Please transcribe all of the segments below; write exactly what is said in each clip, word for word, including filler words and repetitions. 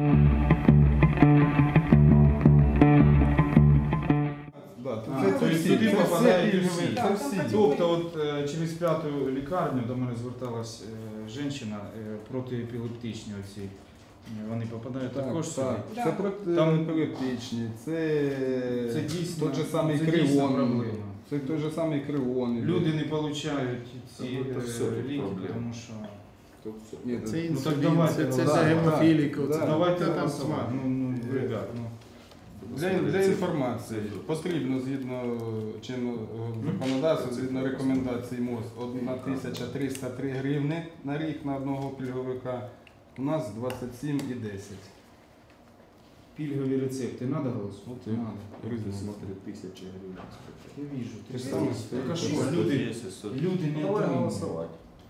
Сюди попадають всі. Тобто от через п'яту лікарню до мене зверталась жінка протиепілептичні оці. Вони попадають так, також сюди? Так. Це протиепілептичні, це, це дійсно, той же самий це кривон. Це той же самий кривон. Люди не отримують ці ліки, тому що... Ні, це ну, так інсулін, це, це за гемофіліку. Да, давайте голосувати. Ну, ну, ребят, ну. Для, для інформації потрібно згідно чинного законодавства, згідно рекомендацій МОЗ, одна тисяча триста три гривни на рік на одного пільговика, у нас двадцять сім і десять. Пільгові рецепти треба голосувати? Надо. Смотри, тисяча гривень. Я вижу. Ти ж сам Так, а що, люди, люди не Давай отримують. голосовать.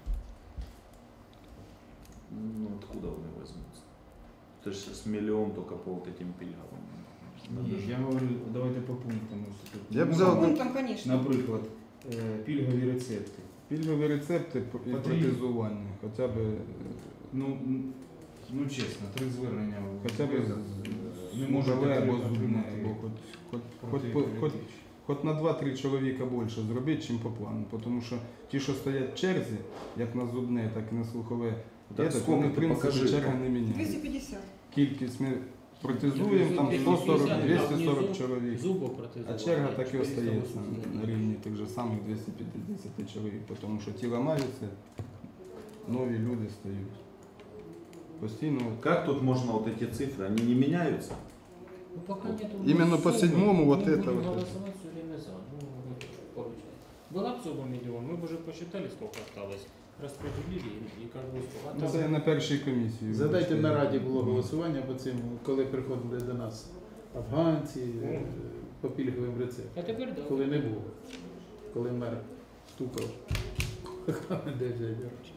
Ну, откуда они возьмутся? Это же с миллион только по вот этим пильгам. Ні, я говорю, давайте по пунктам. Я б Ну, взяв, Пунктом, конечно. наприклад, пільгові рецепти. пільгові рецепти і протезування, хоча б, Ну, ну чесно, три звернення. хоча б не можуть зубове або отримати зубне, або хоч, хоч, хоч, хоч, хоч, хоч на два-три чоловіка більше зробити, чим по плану. Тому що ті, що стоять в черзі, як на зубне, так і на слухове, Так так, скільки вони, в ти принципі, покажи, черга там? не міняє. двести пятьдесят. Кількість ми протезуємо, там сто сорок - двісті сорок чоловік, а черга так і остається на рівні тих же самих двісті п'ятдесят чоловік, тому що ті ламаються, нові люди стають. Постійно. Как тут можно вот эти цифры, они не меняются? Ну, пока нету Именно по суммы, седьмому вот мы это будем вот. голосовать все время за. Ну, вот, получается. Была бы сумма миллион, мы бы уже посчитали, сколько осталось, распределили и, и как бы сколько. Ну, це на першій комісії. Задайте на раді було голосування по цим, коли приходили до нас афганці е, по пільговим рецептам. А тепер да. Коли не було. Коли мер стукав. Де взяти гроші?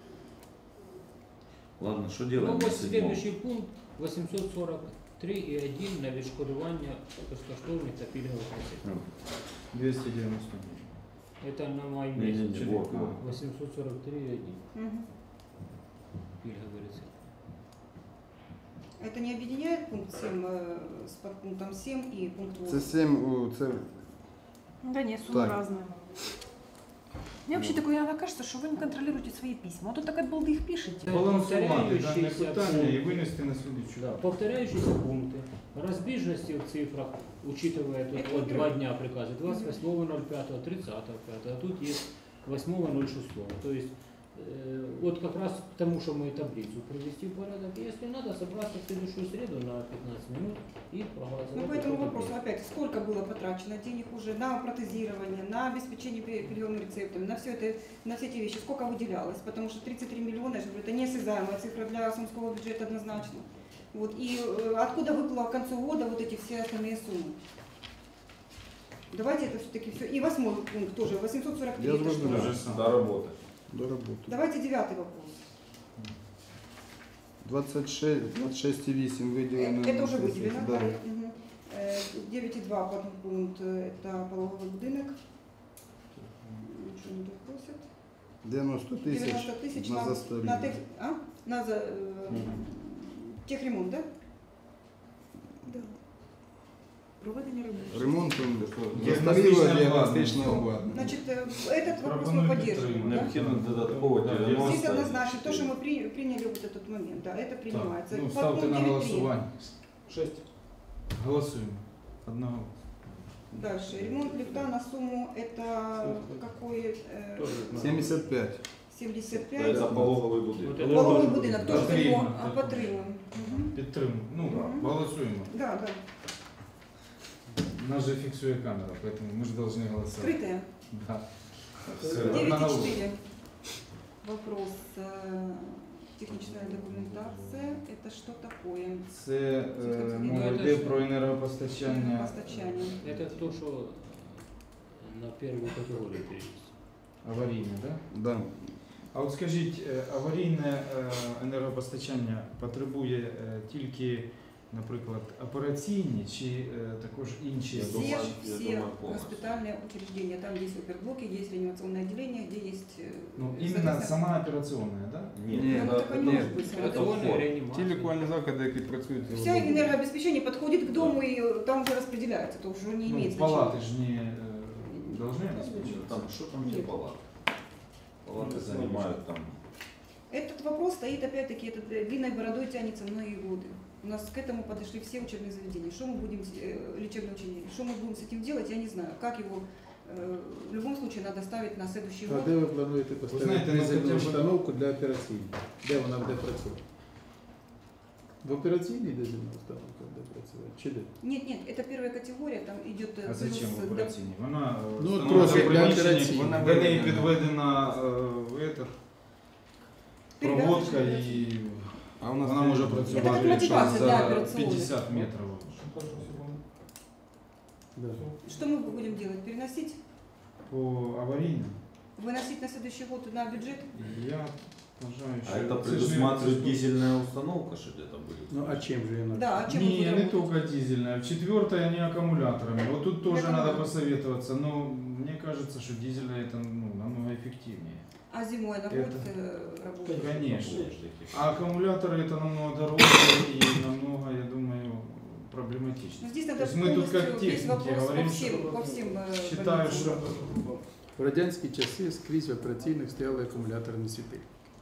Ладно, что Ну, делаем на вот седьмом? следующий пункт восемьсот сорок три и один на відшкодування безкоштовних та пільгових рецептів. двісті дев'яносто. Это на май Не, не, месяц. не, вот, вот. восемьсот сорок три и один Мгм. пільговий рецепт. Это не объединяет пункт семь э, с подпунктом семь и пункт Це восемь? сім, це Да нет, суммы Так. разные. Мне вообще такое иногда кажется, что вы не контролируете свои письма. А тут так от балды их пишете. Балансувати дане Повторяючіся питання і пункти. винести на слідчу. Да, повторяющиеся пункты, разбежности в цифрах, учитывая тут Это вот вот два трёх. дня приказа, двадцать восьмого ноль пятого, тридцатого пятого, а тут есть восьмого ноль шестого. То есть э, вот как раз к тому, что мы таблицу привести в порядок, если надо, собраться в следующую среду на пятнадцать минут и проголосовать. Ну, по за этому эту вопросу таблицу. опять, сколько было потрачено денег уже на протезирование, на обеспечение пи- пильговыми рецептами, на все это, на все эти вещи, сколько выделялось, потому что тридцать три миллиона, я же говорю, это неосязаемая цифра для Сумского бюджета однозначно. Вот, и э, откуда выплыло к концу года вот эти все остальные суммы? Давайте это все-таки все. И восьмой пункт тоже, восемьсот сорок три. Я это что? зрозумів. Те же саме. До работы. до роботи. Давайте девятый вопрос. двадцять шість, двадцять шість і вісім виділено. Э, Это уже на тридцять, выделено. да. Мгм. Э, девять и два подпункт, э, это пологовый будинок. Ничего не допросят. дев'яносто тисяч девяносто тысяч на на, застарілі. на, тех, а? на за, э, техремонт, да? Да. Проведення ремонту. Ремонтом Діагностичне застарілого обладнання. діагностичного обладнання. Значит, э, этот вопрос мы Пропоную поддерживаем. підтримати. Да? Необходимо додатково Да, Здесь девяносто. однозначно то, что мы при- приняли вот этот момент, да, это принимается. Так, ну, Подпункт ставте на девять три. голосування. Шесть. Голосуємо. Одного. Дальше. Ремонт лифта на сумму это какой? Э, Тоже на- сімдесят п'ять. семьдесят пять. Это пологовый Вот будинок. это Пологовий будинок, теж Потрібно. його підтримуємо. Мгм. Підтримуємо. Ну, Мгм. голосуємо. Да, да. Нас же фіксує камера, поэтому мы же должны голосовать. Скрытая. Да. Все, девять и одноголосно. четыре. Вопрос. э, Техническая документация. Это что такое? Це е, мова Ну, йде це про енергопостачання. Постачание. Это то, что на первую категорию перечислено. Аварійне, так? Да? Да. А от скажіть, е, аварійне е, енергопостачання потребує е, тільки наприклад, операційні чи е, також інші? Я Все, думаю, я все думаю, полностью. госпитальные учреждения, там есть оперблоки, есть реанимационное отделение, где есть... э, Ну, іменно соответственно, сама операційна, да? Нет, Ні, ну, это, так и не ні. может быть. это сразу. вход. Ті лікувальні заклади, які працюють. Вся энергообеспечение подходит к дому и э, там уже распределяется, то уже не Ну, имеет палати ж не е, должны обеспечиваться. Там, что там те Нет. палаты? Палаты занимают там. Этот вопрос стоит, опять-таки, это э, длинной бородой тянется многие годы. У нас к этому подошли все учебные заведения. Что мы будем, э, лечебные учреждения, что мы будем с этим делать, я не знаю. Как его, э, в любом случае, надо ставить на следующий А год. де ви плануєте поставити знаєте, ну, дизельну хоча б- установку для операційної? Де вона буде працювати? В операційній дизельна установка буде працювати? Чи де? Нет, нет, это первая категория, там идет... э, А зачем плюс, в э, операційній? Вона е, Ну, встановлена трохи в для приміщенні, операційної. вона до неї підведена е, в этот, проводка і А у нас вона може Это працювати как якщо мотивация для за операционной. п'ятдесят метрів. Да. Что мы будем делать? Переносить? По аварійним? Выносить на следующий год на бюджет? Я вважаю, що А это це ж не- предусматривает дизельная установка, что где-то будет? Ну а чим же вона? Да, а чем мы Не, будем не работать? только дизельная. В четвертой они аккумуляторами. Вот тут тоже Это надо да. посоветоваться. Но мне кажется, что дизельная это ну, намного эффективнее. А зимой она Это- будет э, работать? Конечно. Подожди. А аккумуляторы это намного дороже и намного, я думаю, проблематично. Но здесь То надо есть мы тут как полностью весь техники вопрос говорим, по всем, что по всем э, считаю, больницам. что В радянські часи скрізь в операційних стояли акумуляторні світи.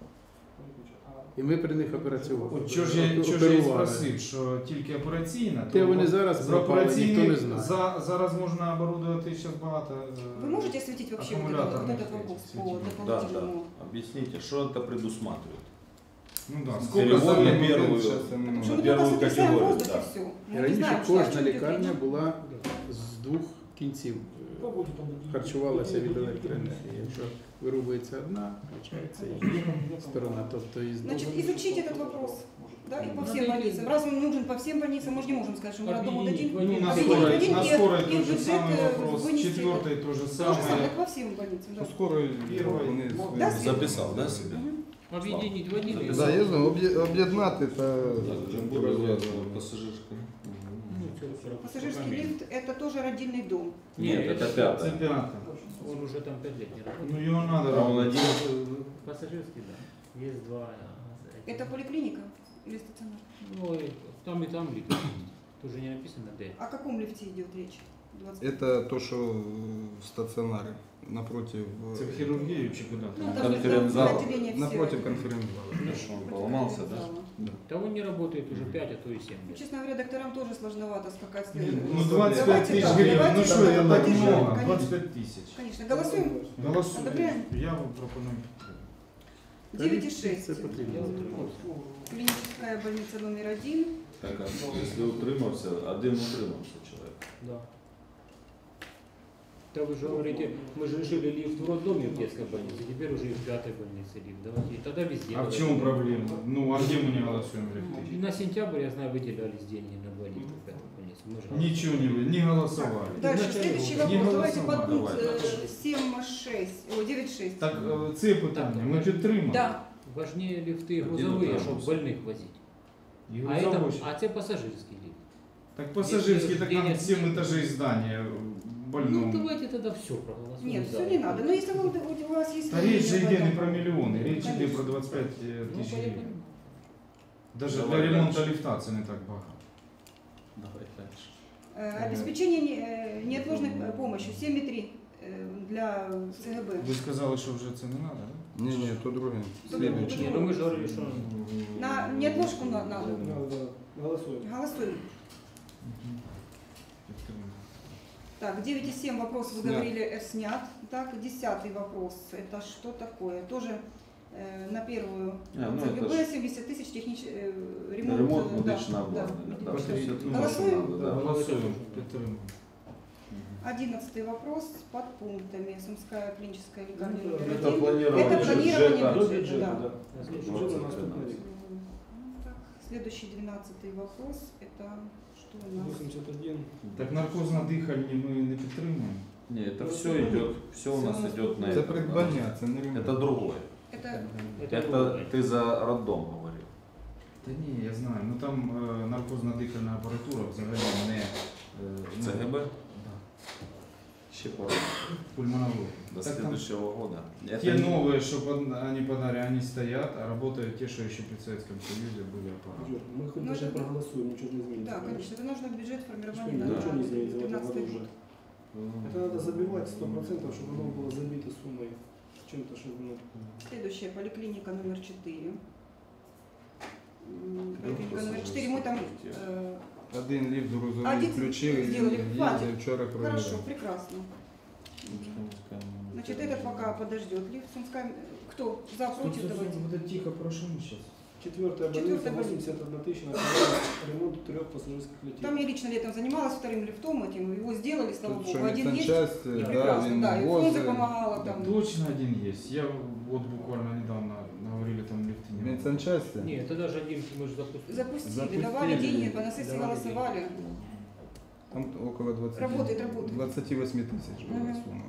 І ми при них операцювали. от чого ж я, чого ж я і оперували. спросив, що тільки операційна, Те то вони зараз за пропали, ніхто не операційних знає. за, зараз можна оборудувати зараз багато. е, Вы можете осветить вообще вот, это, вот аккумуляторных этот вопрос по светильников. Да, да. дополнительному? Объясните, что это предусматривает? Ну да, Перевод сколько на за первую. Що Потому ми что мы первую только сотрясаем категорию, воздух да. и все. І Мы не раніше знаем, что, о кожна чем идет лікарня речь. була з двох кінців. Харчувалася від електроенергії. Якщо вирубується одна, включається інша сторона. Тобто із двох. Значит, изучить этот вопрос. Да, и по Надо всем и- больницам. Раз он нужен по всем больницам, мы же не можем сказать, что мы роддому Объединить дадим. в один. Ну, на Объединить скорой, в один на и- скорой и в тот же бюджет, самый э, вопрос, вынести четвертый то же То же самое, самое. как по всем больницам, да. Ну, скоро Первый. вони Да, свої- Записал, да, себе? Мгм. Объединить в один. и- Да, я знаю, об'є- об'єднати та Пассажирская. Ну, всё, сорок. Пассажирский лифт – это тоже родильный дом. Нет, Нет, это Це пятое. п'яте. Он уже там пять лет не работает. Ну його надо А он робити. один? Пассажирский, да. Есть два. а, эти. Это поликлиника или стационар? Ну, и там и там лифт. Тоже не написано Д. О каком лифте идет речь? двадцать Это то, що в стаціонарі напротив. Це в хірургію чи куди? Ну, там? там Конференц-зал. отделение все. Напротив конференц-зала. Ну что, он поломался, да? Того не работает уже пять, а то и семь Ну, лет. честно говоря, докторам тоже сложновато скакать с Ну двадцять п'ять Давайте тисяч так, гривень. давайте Ну що, так, це так поддержим, много? конечно. двадцять п'ять тисяч. Конечно. Голосуем? Голосуємо. Одобряємо? Я вам пропоную підтримати. девять и шесть. Це потрібно. Клиническая больница номер один. Так, а если утримався, один утримався чоловік. Да. Да вы же говорите, мы же решили лифт в роддоме в детской больнице, теперь уже и в пятой больнице лифт. Давайте, тогда везде. А в давайте. чому проблема? Ну, а где мы не голосуем в И лифты? на сентябрь, я знаю, выделялись деньги на два лифта в пятой больнице. Мы же Ничего не вы, не голосовали. Дальше, Изначально следующий было. Не вопрос. Давайте голосовали. под пункт Давай, э, семь шесть, ой, девять шесть. Так е, це питання ми підтримали. Да. важнее лифты Один грузовые, утром чтобы был. больных возить. І А это, грузовочі. а это пассажирский лифт. Так пассажирский, так там Денег- семь этажей здания Ну больному. давайте тогда все проголосуем. Нет, за. все не надо. Но если вам, у вас есть... Та річ же мнение йде об не этом. про мільйони, річ йде Конечно. про двадцять п'ять Ну, тисяч я гривень. понимаю. Навіть Давай для ремонту дальше. ліфта це не так багато. Давай дальше. Э, Обеспечение не- э, неотложной э, помощи семь и три э, для ЦГБ. Ви сказали, що вже це не треба, так? Ні, ні, то друге. Добре. Слідуюче. Не, ну мы же говорили, что На неотложку на- надо. Голосуємо. Голосуем. Так, девять и семь вопрос вы Снят. говорили, э, снят. Так, десятый вопрос. Это что такое? Тоже э, на первую А, ну ЦГБ это ж семьдесят тысяч технич... э, ремонт. ремонт э, да, медичного да, обладнання. Да, медичного. все это Голосуем? надо, да. Голосуємо, підтримуємо. Мгм. Одиннадцатый вопрос под пунктами. Сумская клиническая лекарня. Ну, номер Это один. планирование Это планирование бюджета. бюджета, да. двадцать тринадцать. М, так, следующий двенадцатый вопрос. Это что у нас? вісімдесят один. Так наркозно-дихальні ми не підтримуємо. Не, это все идет, все у нас Всё у нас идет на Це это. придбання, це не ремонт. Это другое. Это это, Это ты за роддом говорил. Та ні, я знаю. Ну там е, наркозна дихальна апаратура взагалі не е, ну, Це ГБ? Да. Ще пора. Пульмонология. До Так там следующего года. те новые, что под- они подарили, они стоят, а работают те, что еще при Советском Союзе были аппараты. Юр, мы хоть Ну, даже это- проголосуем, ничего не изменится. Да, конечно, это нужно бюджет формирования Да. на Ничего не изменится в этом пятнадцатый году год. уже. Это надо забивать сто процентов, чтобы оно было забито суммой чем-то, чтобы ну, Следующая поликлиника номер четыре. М, Ну, Поликлиника номер четыре, мы там э, Один ліфт грузовий Один включили, сделали, хватит. їздив вчора хорошо, провіряв. прекрасно. Значит, этот пока подождет. Лифт Сумская, кто за против, давайте. Вот это тихо, прошу сейчас. четвертая больница, Четвертая больница. восемьдесят одна тысяча на ремонт трех пассажирских летей. Там я лично летом занималась вторым лифтом этим, его сделали, слава Тут богу. що Один есть, медсанчасть, и да, прекрасно, він да, и Фрунзе возить. помогала там. Точно один есть. Я вот буквально недавно говорили, там лифты не было. Медсанчасті? Ні, це навіть один ми ж запустили. Запустили, Запустили. давали деньги, по на сессии Давали голосовали. Там около двадцати, Работает, работает. двадцять вісім тисяч була Мгм. сума.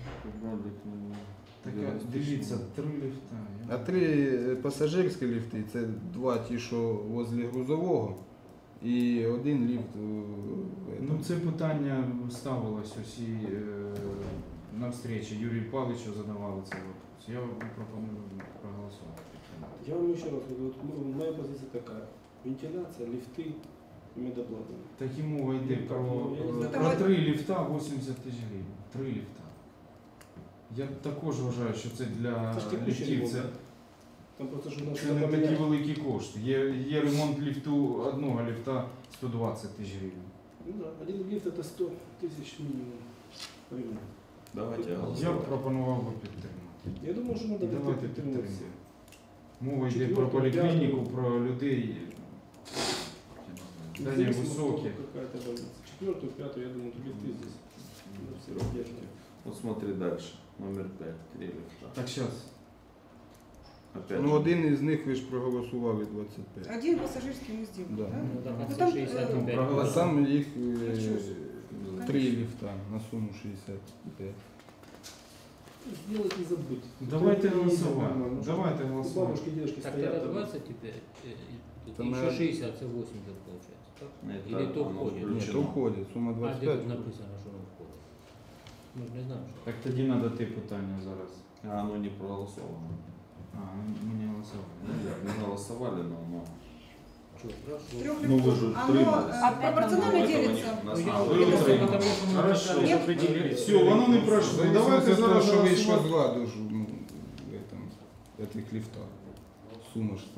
Так, дивіться, три лифта. А три е, пасажирські ліфти, це два ті, що возле грузового, і один ліфт. е, Ну, там. це питання ставилось усі е, на встречі. Юрію Павловичу задавали цей вопрос. Я пропоную проголосувати. Я вам еще раз говорю, вот ну, моя позиция такая. Вентиляция, лифты и медоплата. Так і мова йде Ну, про, так, ну, я не е, знаю. про Там- три ліфта вісімдесят тисяч гривень. Три ліфта. Я також вважаю, що це для Это ж текущий ліфтів. ремонт, Це, да? Там просто что надо це не что-то такі поменять. великі кошти. Є, є ремонт ліфту одного ліфта сто двадцять тисяч гривень. Ну да, один лифт это сто тысяч минимум. Ремонт. Давайте Я б голосовать. пропонував би підтримати. Я думаю, что надо Давайте как-то підтримуємо. підтримати. Мова йде про Четверту, поліклініку, п'яту. про людей. Здання Независимо, високі. сколько какая-то больница. Четвертую, пятую, я думаю, тут лифты здесь. Ну, все раздержки. Вот смотри дальше. Номер пять. Три лифта. Так, зараз. Опять Ну же. один із них ви ж проголосували двадцять п'ять. Один пассажирский мы сделали, Да. да? Ну, так, Ну, а там, це шістдесят е, п'ять. А там їх е, Ну, чого ж. три ліфта на суму шістдесят п'ять. Сделать не забыть. Давайте Это не голосувати. нормально. Давайте У голосувати. бабушки, дедушки Так, стоят. тогда там. двадцать теперь, э, и тут Там, еще наверное, шестьдесят, это восемьдесят получается. Так? Это Или то оно входит? Ні, включено. то входить, сума А двадцять де п'ять. тут написано, що воно входить? Ми ж не знаємо, що. Так тоді треба те питання зараз. А оно не проголосовано. А, ми не голосували. Ну, да, не голосовали, но оно... Чого, хорошо. Трех Ну, вы лифтов. же Оно утримались. э, пропорционально Этого делится. не- нас Ну, не я ви виявився, утримались. тому що ми Хорошо. писали, що Нет. приділили. Все, воно не пройшло. Давайте Давайте за те, зараз що вийшло з голосувати. ладу ж ну, в этом, в этих ліфтах. Сума ж там.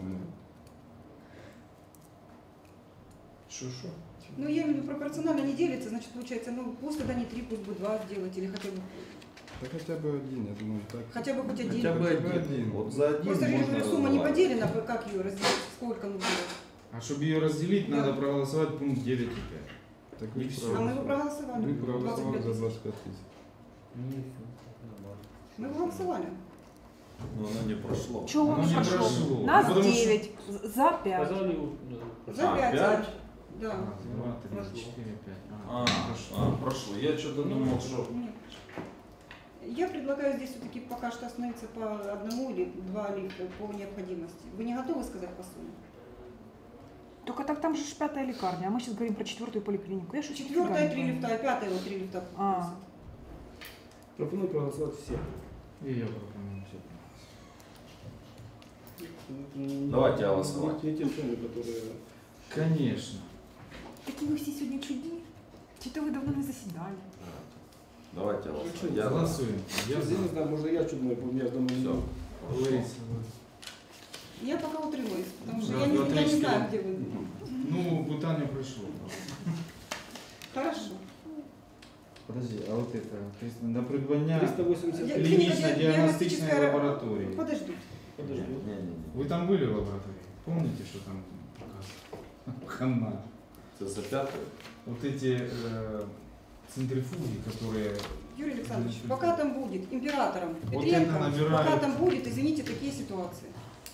Що, що? Ну, я имею в виду, пропорционально не делится, значит, получается, ну, пусть тогда не три, пусть будет два сделать, или хотя бы, Та хоча б один, я думаю, так. хотя бы хоть один. Хотя бы Хотя бы один. один. Вот за один Просто же, я можно говорю, сумма не разговаривать. поделена, как ее разделить, сколько нужно. А щоб її розділити, Да. треба проголосувати пункт дев'ять і п'ять. Так І ви всё. А мы его проголосовали. Ви двадцать проголосували пять за тысяч. двадцять п'ять тисяч. Ну, і все, нормально. Мы его голосовали. Но оно не прошло. Чего Оно он не прошел? прошло. Нас Потому что- девять, за пять. Сказали, ну, За А, пять. пять? Да. Раз, два, три, Прошло. четыре, пять. А, а, прошло. Я что-то думал, что... Нет. Я предлагаю здесь все-таки пока что остановиться по одному или два лифта по необходимости. Вы не готовы сказать по сумме? Только так там же ж пятая лекарня, а мы сейчас говорим про четвертую поликлинику. Я что Четвертая три лифта, а пятая вот три лифта. А. Пропоную проголосовать все. И я пропоную все. Давайте голосовать. Не те суммы, которые... Конечно. Какие вы все сегодня чуди. Что-то вы давно не заседали. Давайте голосовать. Я за. Голосуем. Я Я, за. не знаю, может я чудной между мной. Всё. Лариса. Я пока утримуюсь, потому что Да, я не, я не отлично. знаю, где вы. Ну, питання пройшло. Хорошо. Подожди, а вот это, то есть на придбання триста восемьдесят Я- три. клинично-диагностичной диагностическая лаборатории. Подождут. Подожди. Не, не, не. Вы там были в лаборатории? Помните, что там показывали? Хана. Это за пятую? Вот эти э, центрифуги, которые... Юрий Александрович, Ну, пока там будет императором Вот Петренко, это набирает. пока там будет, извините, такие ситуации.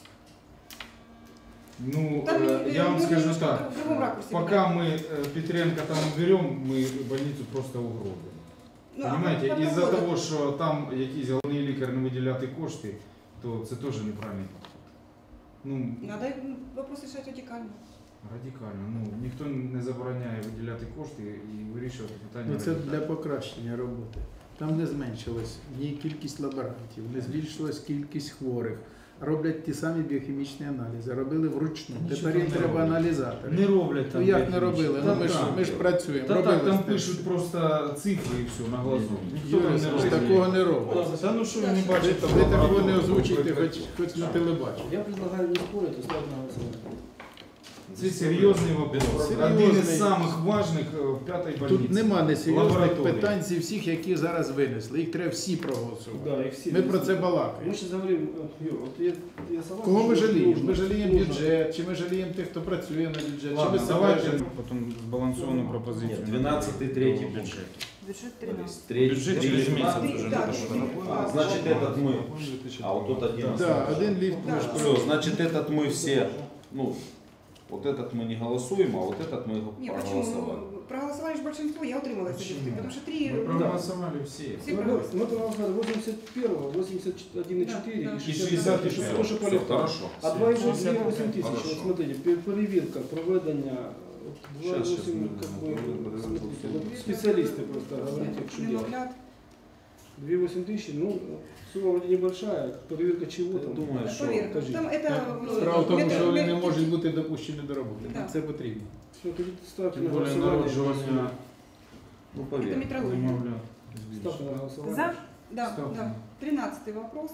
Ну, Там, э, э, я вам мы скажу немножко так, в другом ракурсе пока мы э, Петренко там уберем, мы больницу просто угробимо. Ну, а Понимаете, потом із-за буде. того, що там якийсь головний лікар не виділяти кошти, то це теж неправильно. Ну, Надо м, вопрос решать радикально. Радикально. Ну, ніхто не забороняє виділяти кошти і вирішувати питання. Ну, це радикально. для покращення роботи. Там не зменшилась ні кількість лаборантів, не збільшилась кількість хворих. Роблять ті самі біохімічні аналізи, робили вручну. Нічого Тепер їм не треба роблять. аналізатори. Не роблять Ну там. як не технічно. робили? Та Ну ми ж, так. ми ж працюємо. Та робили так, там з тим. пишуть просто цифри і все на глазу. Ніхто там Юрій, не ж робить. такого не робить. Та ну що ви не Ви, бачите? ви такого не озвучуєте, хоч, хоч на телебаченні. Я предлагаю не спорить, а ставить на голосование. Це серйозний вопрос. Серйозний. Один із самих важних е, в п'ятій больниці. Тут нема несерйозних Лабораторії. питань зі всіх, які зараз винесли. Їх треба всі проголосувати. Да, и все. Ми про це Мы балакаємо. сейчас говорим, э, Юр, вот я, я согласен, Кого ми что жаліємо? нужно, Ми жаліємо нужно. бюджет, чи ми жаліємо тих, хто працює на бюджет, чи ми Ладно, себе давайте жаліємо? потім збалансовану пропозицію. Нет, двенадцатый, третий бюджет. Бюджет То тринадцать. есть третий, Бюджет третий, через месяц двенадцатый. уже. Да, А, значит, этот мы. А вот тут один. Да, один ліфт ми ж Все, значит, этот мы все, ну, вот этот мы не голосуем, а вот этот мы Не, проголосовали. почему? Проголосовали же большинство, я утрималась от Почему? этих, потому что три... Ми проголосували всі. Все Мы, проголосовали. мы проголосовали восемьдесят первого, восемьдесят один и четыре, Да, да. и И шестьдесят шестьдесят пять, пять. то, что Все, полегче. хорошо. А два и шестьдесят восемь тысяч, Хорошо. вот смотрите, пер- перевірка, проведення, два Щас, щас восемь, ми как бы, розберемо. смотрите, вот специалисты просто говорят, что делать. Немовлят. две восемь тысяч, ну, сумма вроде небольшая, проверка чего там? Думаю, що Проверка. Скажіть. Там это... Справа в тому, метод- що вони не метод- можуть бути допущені до роботи. Да. Нам це потрібно. Все, тоді ставте Тим на більше голосование. народжування ну Это поверь. метрология. немовлят. Ставте на голосование. За? Да, Ставьте. да. Тринадцатый вопрос.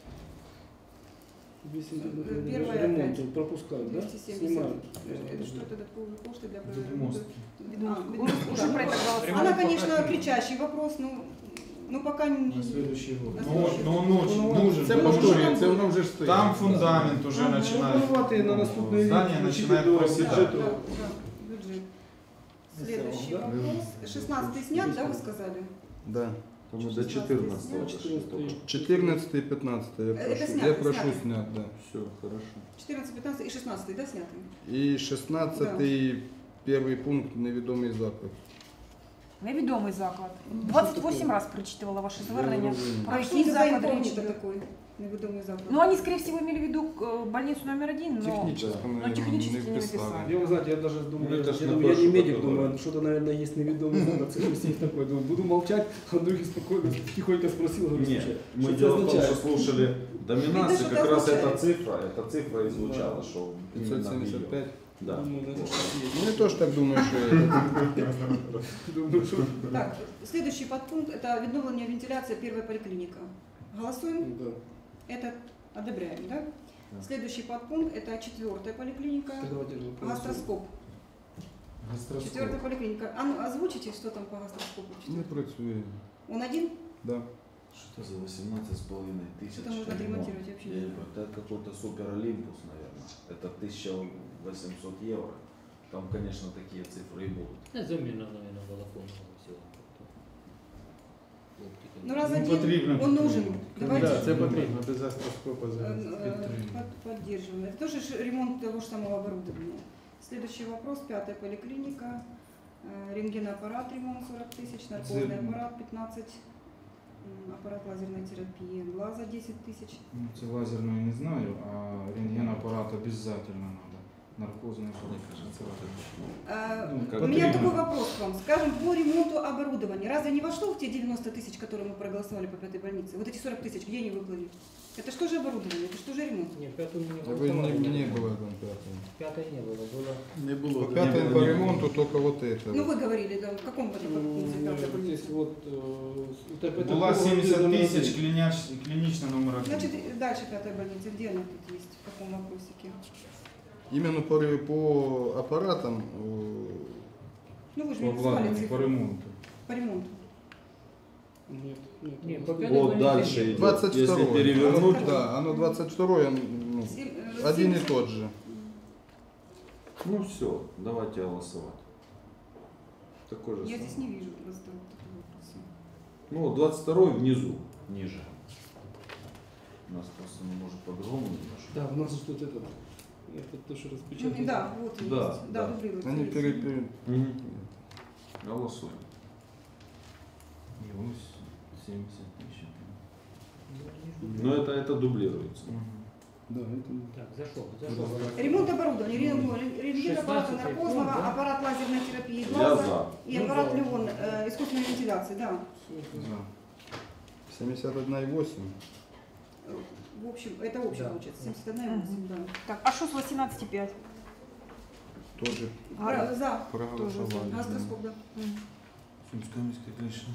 двести Э, первое ремонт опять. пропускают, да? двести семьдесят. Снимают. Это что, додатковые кошты для Відмостки. А, Уже про это голосовали. Она, конечно, кричащий вопрос, ну, ну пока не... На следующий год. На Ну, следующий ну, год. он очень Ну, нужен. Це потому что повторюється, воно вже ж стоїть. Там фундамент уже Ага. начинает. Ну, планувати на наступний рік, Здание включити начинает до Да, проседать. бюджету. да, да, бюджет. Следующий Да? вопрос. шестнадцатый снят, да, вы сказали? Да. Там мы до четырнадцатого дошли четырнадцатый. только. четырнадцатый и пятнадцатый я Это прошу. снято, Я прошу снято. снять, да. Все, хорошо. четырнадцатый, пятнадцатый и шестнадцатый, да, сняты? И шестнадцатый первый пункт невідомий заклад. Невідомий заклад. двадцять вісім разів перечитувала ваше звернення. Про А что який это за заклад речь инкогнито йде? такой? Неведомый заклад. Ну, они, скорее всего, имели в виду э, больницу номер один, но... Технически, Ну, наверное, технически не не вписали. написали. Я, вы знаете, я даже думаю, Ну, это я, ж я, на думаю, я не прошлый медик, год думаю, было. что-то, наверное, есть неведомый знак, цифры есть такой. Думаю, буду молчать, а другие спокойно, тихонько спросил, говорю, Нет, слушай, мы что это дело в том, означает? что слушали доминации, Видно, что как это раз эта означает. цифра, эта цифра и звучала, что пятьсот именно семьдесят её. пять. Да. Думаю, наверное, что есть. Ну, я тоже так думаю, что это. Думаю, что... Так, следующий подпункт – это відновлення вентиляция первая поликлиника. Голосуем? Да. Это одобряем, да? Следующий подпункт – это четвертая поликлиника. Так давайте же проголосуем. Гастроскоп. Гастроскоп. Четвертая поликлиника. А ну, озвучите, что там по гастроскопу? Не працює. Он один? Да. Что за восемнадцать с половиной тысяч? Что-то можно отремонтировать вообще. Я не понимаю, это какой-то супер Олимпус, наверное. Это тысяча восемьсот евро. Там, конечно, такие цифры и будут. Это замена, наверное, балафонного всего. Ну раз Ну, один, потрібно он підтримувати. нужен. Давайте Да, це потрібно, без астроскопа э, зараз. э, под- поддерживаем. Это тоже ж ремонт того же самого оборудования. Следующий вопрос. Пятая поликлиника. Э, Рентгеноаппарат ремонт сорок тысяч, наркозный Зерно. аппарат пятнадцать, м, аппарат лазерной терапии, глаза десять тысяч. Ну, це лазерную не знаю, а рентгенаппарат обязательно надо. Наркозный аппарат. А, Ну, как У меня потрібно. такой вопрос к вам. Скажем, по ремонту оборудования. Разве не вошло в те девяносто тысяч, которые мы проголосовали по пятой больнице? Вот эти сорок тысяч, где они выплыли? Это что же оборудование? Это что же ремонт? Нет, пятую не А вы не, голосовали. не было там пятого. Пятой не было, было. Не було. По да. пятой было, по не ремонту только вот это. Ну вы говорили, да, в каком году М, пятая вот больница? Здесь вот... э, это- это Була было семьдесят номер тысяч один. клиняч- клиничный номер один. Значит, и дальше пятая больница. Где она тут есть? В каком вопросике? Именно по, ре- по аппаратам э, Ну вы же по мне назвали обладнанию, по цифры. ремонту. По ремонту. Нет, нет. Не, нет. по пятой Вот больнице дальше нет. идет. двадцать Если второй. перевернуть, Да, оно двадцать второе, ну, Семь- э, один и семьдесят. тот же. ну все, давайте голосовать. Такой же Я самый. здесь не вижу просто вот такого вопроса. Ну, вот двадцать второй внизу, ниже. У нас просто ну, может по-другому немножко. Да, у нас же тут это... Это то, что Ну, распечатано. да, вот он Да, есть. да. Да, дублируется. Они есть. пере, пере- Мгм. Голосуем. И ось семьдесят тысяч. Но это, это дублируется. Мгм. Да, это... Так, зашел, зашел. Ремонт оборудования, ремонт рентген аппарата шестнадцатый наркозного, пункт, да? аппарат лазерной терапии Я глаза за. и аппарат Леон э, искусственной вентиляции, да. За. семьдесят один и восемь. В общем, это общее Да. получается, семьдесят один и восемь, да. Так, а что с восемнадцать и пять? Тоже Про- За. проголосовали. Гастроскоп, да. Сумская міська клінічна.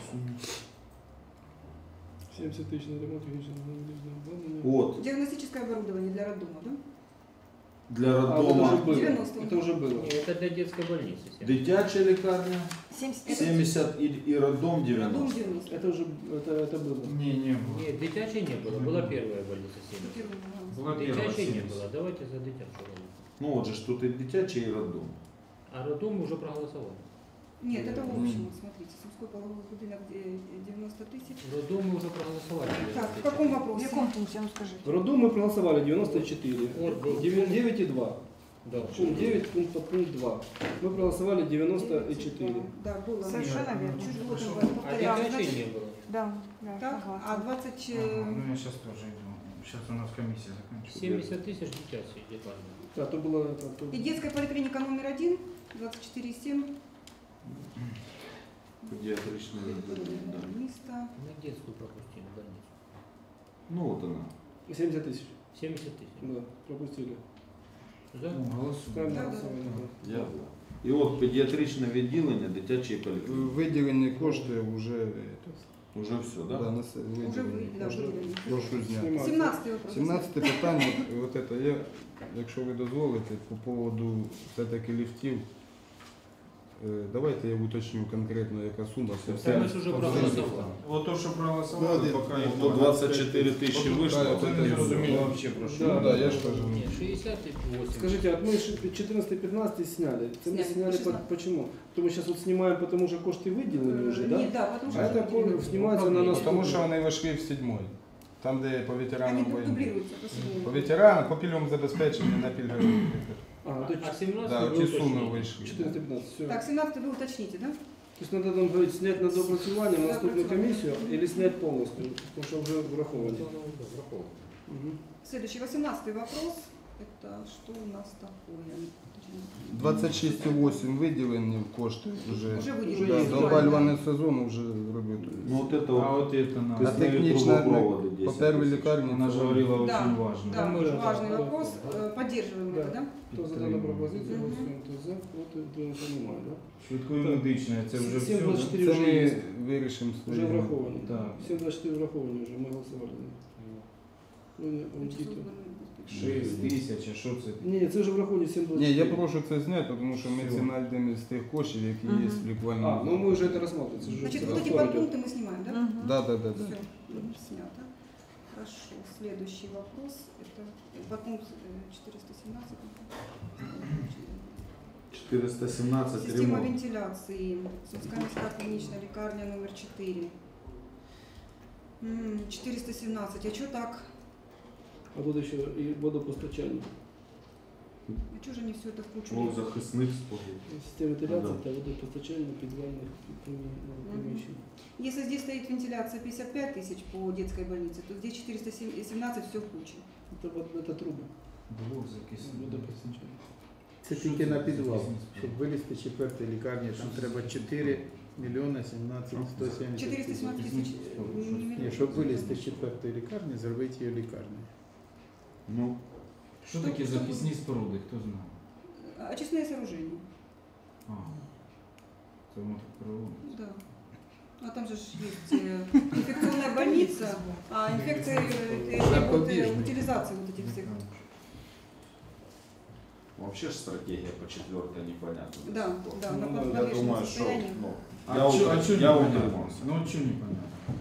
семьдесят тысяч на ремонт технического оборудования. Вот, Диагностическое оборудование для роддома, да? для А, это уже роддома было. девяносто. Это уже было. Это для детской больницы. семь. дитяча лікарня семьдесят семьдесят і, і роддом Роддом девяносто. девяносто. Это уже это, это было. Не, не было. Нет, дитячей не было. Была первая больница семьдесят. Первый, да. Была первая Дитячей не семьдесят. было. Давайте за дитячую. Ну от же ж тут і дитяча, і роддом. А роддом мы уже проголосовали. Нет, это в общем, смотрите, Сумской половой будинок э, девяносто тысяч. Роддом мы уже проголосовали. Так, в каком В вопросе? якому пункте, ну скажите? В роддом мы проголосовали девяносто четыре. Вот, девять и два. Да. Пункт девять, пункт, под пункт два. Мы проголосовали девяносто четыре. Да, было. Совершенно верно. Чуть было там А повторялось. дитячей Значит, не было. Да, да, Так, согласна. а двадцать... Ага, э, ну я сейчас тоже иду. Сейчас у нас комиссия заканчивается. семьдесят тысяч дитячей детально. Да, то было это. То... И детская поликлиника номер один, двадцать четыре семь. Педіатричне відділення, да. Место. Мы детскую пропустили больницу. Ну от вона. семьдесят тысяч. семьдесят тысяч. Да, пропустили. За? Ну, голосуем. Ставим Да, на да, голосование. да. да. Я за. І от педіатричне відділення дитячої поліклініки. Виділені кошти вже это, Уже все, да, да? на с- Уже вы, виділені да, кошти. выделили. Прошу зняти. Снимать. семнадцатый вопрос. сімнадцяте питання, от это, я, якщо ви дозволите, по поводу все-таки ліфтів, е, давайте я уточню конкретно, яка сума. Це Це все ми ж уже проголосували. Вот то, что проголосовали, Да, пока их То двадцять чотири тисячі Вот вийшло, так, це вот не это зрозуміло всё. вообще про що. Да, Ну да, я ж кажу. Нет, шестьдесят восемь. Скажите, от мы четырнадцатый пятнадцатый сняли. Это мы Сняли, сняли по- шестнадцатый. почему? Потому что сейчас вот снимаем, потому что кошты выделены уже, да? Нет, да, потому что... А это выделили. ко- снимается на нас. Тому що вони вийшли в седьмой. Там, де по Они ветеранам війни. дублируются по седьмому. По ветеранам, по пільговому забезпеченню на пільгові. А, то А семнадцать Да, вы ті уточните. суми вийшли. четырнадцатый пятнадцатый, все. Так, семнадцатый вы уточните, да? То есть надо там говорить, снять на доопрацювання на наступную Доопрацювання. комиссию или снять полностью, потому что уже враховано. Враховано. Мгм. Следующий, восемнадцатый вопрос. Это что у нас такое? двадцять шість і вісім виділені кошти вже. Уже Уже выделили. є. Да, до опалювального сезону вже робити. Ну от це А от вот это на... А Киснові технічна трубопроводи по десять первій тисяч. лікарні Она же це- говорила Да, очень важно. Да, Да, очень да, важный да. вопрос. Э, Поддерживаем Да. это, да? Кто за данную пропозицию, голосуем, кто за, проти, утримався, немає, да? Швидкою медичною, це вже Сім все. двадцять да? чотири Це вже ми є. вирішимо Уже свої. враховано. Так. семь двадцать четыре враховано уже, мы голосовали. Ну, не, аудиту. шість тисяч, а що це? Ні, це вже враховано сім двадцять Ні, четыре. я прошу це зняти, тому що ми Всё. це знайдемо з тих коштів, які є в А, лікувальному. ну мы уже это рассматриваем. это же Значит, уже вот эти спор идет. подпункты мы снимаем, да? Мгм. Да, да, да, да. Все, снято. Хорошо. Следующий вопрос. Это подпункт э, четыреста семнадцать. чотириста сімнадцять Система ремонт. вентиляции. Сумская міська клиничная лекарня номер четыре. М, четыреста семнадцать. А что так? А тут еще и водопостачание. А что же они все это в кучу? Блок захисних споруд. Система вентиляции, Да. это водопостачание подвальных прими- ну, помещений. Если здесь стоит вентиляция пятьдесят пять тысяч по детской больнице, то здесь четыреста семнадцать все в куче. Это, вот- это трубы. Блок закисний. Водопостачание. Це тільки на підвал. Щоб вилізти четвертої лікарні, там треба чотири мільйони сімнадцять сто сімдесят. четыреста семнадцать тысяч. Ні, щоб вилізти з четвертої лікарні, зробити її лікарню. Ну, Що таке захисні споруди, хто знає? Очистные сооружения. А, це воно так проводить. Да. А там же ж есть э, инфекционная больница, а инфекция э, требует э, Запобежный. утилизации вот этих всех. вообще ж стратегія по четвертой непонятна. до Да, сих пор. да, Ну, на да, Я подвешенном думаю, що состоянии. ну, А я, чё- утр- а чё я непонятно? утримався. Ну от чого непонятно?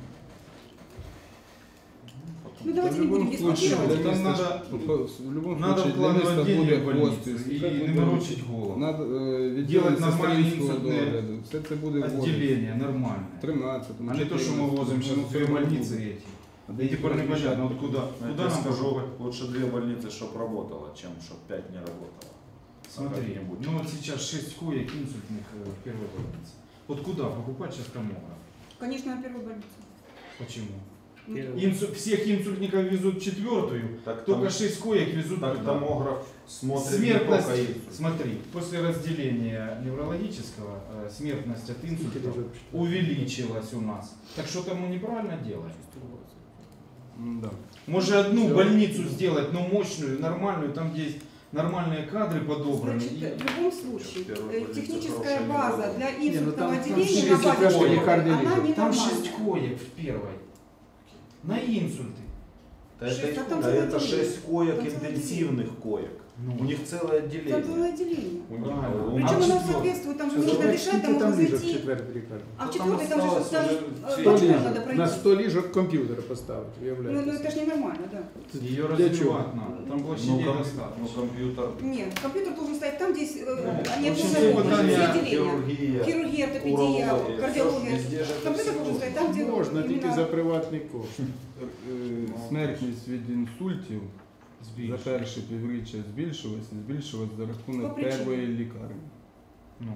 Ну Та давайте в не будем будь-якому случае дискутировать. для Там міста надо- ж- по- в будь-якому Надо случае для вкладывать міста деньги буде в больницу хостис. и не морочить голову. Надо е, Делать відділити нормальні сестринського інсультне догляду. Все це буде в Отделение нормальное. тринадцятому. А не то, что мы возим сейчас в две больницы эти. И теперь непонятно, вот куда, Я куда тебе нам скажу, покупать? лучше две больницы, чтоб работало, чем чтоб пять не работало. Смотри, Как-нибудь. ну вот сейчас шесть коек инсультных э, в первой больнице. Вот куда покупать сейчас томограф? Конечно, на первую больницу. Почему? Инсу- всех инсультников везут в четвертую, Так только там, шесть коек везут так туда. томограф смотрит не Смертность, только инсульт. смотри, после разделения неврологического э, смертность от инсульта увеличилась у нас. Так что там мы неправильно делаем? Да. Может одну больницу сделать, но мощную, нормальную, там где есть нормальные кадры подобраны. Значит, и- в любом случае, Первая э, больница техническая хорошая, база не для Не, ну инсультного там- там отделения шесть на базе этажей школы, лекарни она лежит. Там ненормальная. шесть коек в первой. На инсульты. Да Шесть, это, а там да целое это отделение. шесть коек Там целое интенсивных коек. Ну. У них целое Там отделение. целое отделение. У них- Правильно. у Причем А нас- в оно четвёртой? соответствует, там же А нужно сколько дышать, там там могут ліжок в зайти. четвертій лікарні? А в Ну, там четвертой там же осталось там, уже э, все- сто почему ліжок. надо На пройти? сто ліжок комп'ютер поставити, Ну, уявляєте. ну это же ненормально, да. Ее Для развивать чего? надо. Там Ну, площадей ком- ну, достаточно. компьютер, Нет, компьютер должен стоять там, где есть, э, они в общем, обслуживают все все питания отделения. хирургия, Хирургия, ортопедия, урология, кардиология. всё ж везде же это Компьютер все должен стоять там, где Можна тільки именно- за приватний кошт. Е, Смертність від інсультів за Збільшує. перше півріччя збільшилася, збільшилась за По рахунок причині? першої лікарні. Ну.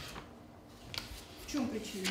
В чем причина?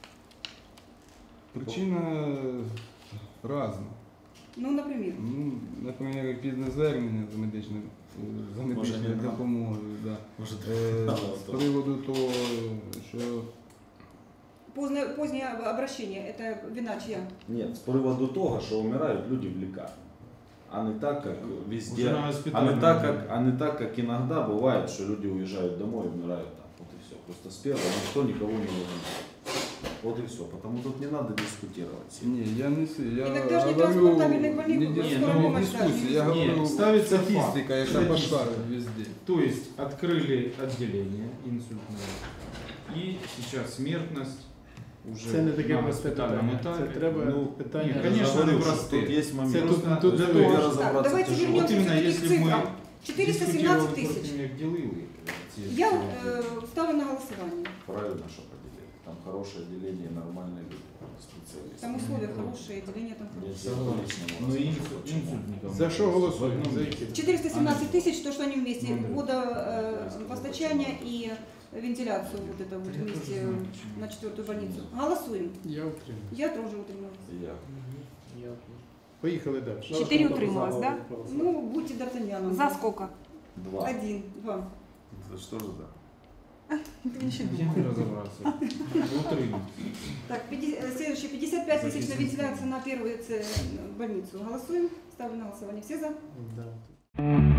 Причина разна. Ну, например. Ну, наприклад, пізне звернення за медичною за Може, медичною не надо. допомогою. Да. Может, Е, надо З то. приводу того, що Позднее, позднее обращение, это вина чья? Нет, с приводу того, что умирают люди в лекарне. А не так, как Уже везде. на А госпитальном не так, уровне. как, а не так, как иногда бывает, что люди уезжают домой и умирают там. Вот и все. Просто с первого никто никого не волнует. Вот и все. Потому тут не надо дискутировать. сильно. ні, я не си- я Іногда ж не говорю, транспортабельних больних не, в дис- скорой не помощи дискуссии, я ставят. говорю Нет, ставится статистика, факт. яка Статистика. пошла везде. То есть открыли отделение инсультное. И сейчас смертность уже Це не таке на просте госпитальном питання. Це этапе. треба Ну, питання. ні, конечно, Я говорю, не что простые. Тут есть момент. Це тут- Просто тут для Тут того, я щоб- разобраться Так, давайте тяжело. вернемся Вот именно, все-таки если к цифрам. мы четыреста дискутировали семнадцать тысяч. против них, делили эти Я сделали. э, ставлю на голосование. Правильно, что поделили. Там хорошее отделение, нормальные люди, специалисты. Там условия хорошие, отделение там Я хорошее. тебе по-личному Ну, расскажу, инсуль- почему. инсультников. За що голосуємо? В одном За месте. які? четыреста семнадцать тысяч, то, что они вместе, Ну, да. водопостачание и вентиляцию вот это вот вместе на четвертую больницу. Голосуем. Я утримую. Я тоже утрималась. Я. Я Поїхали далі. Четыре утрималось, да? Ну, будьте Д'Артаньяном. За сколько? Два. Один, два. Это что же за? Я не разобрался. Утрым. Так, пятьдесят, э, следующий, пятьдесят пять тысяч на вентиляцию на первую э, больницу. Голосуем. Ставлю на голосование. Все за? Да.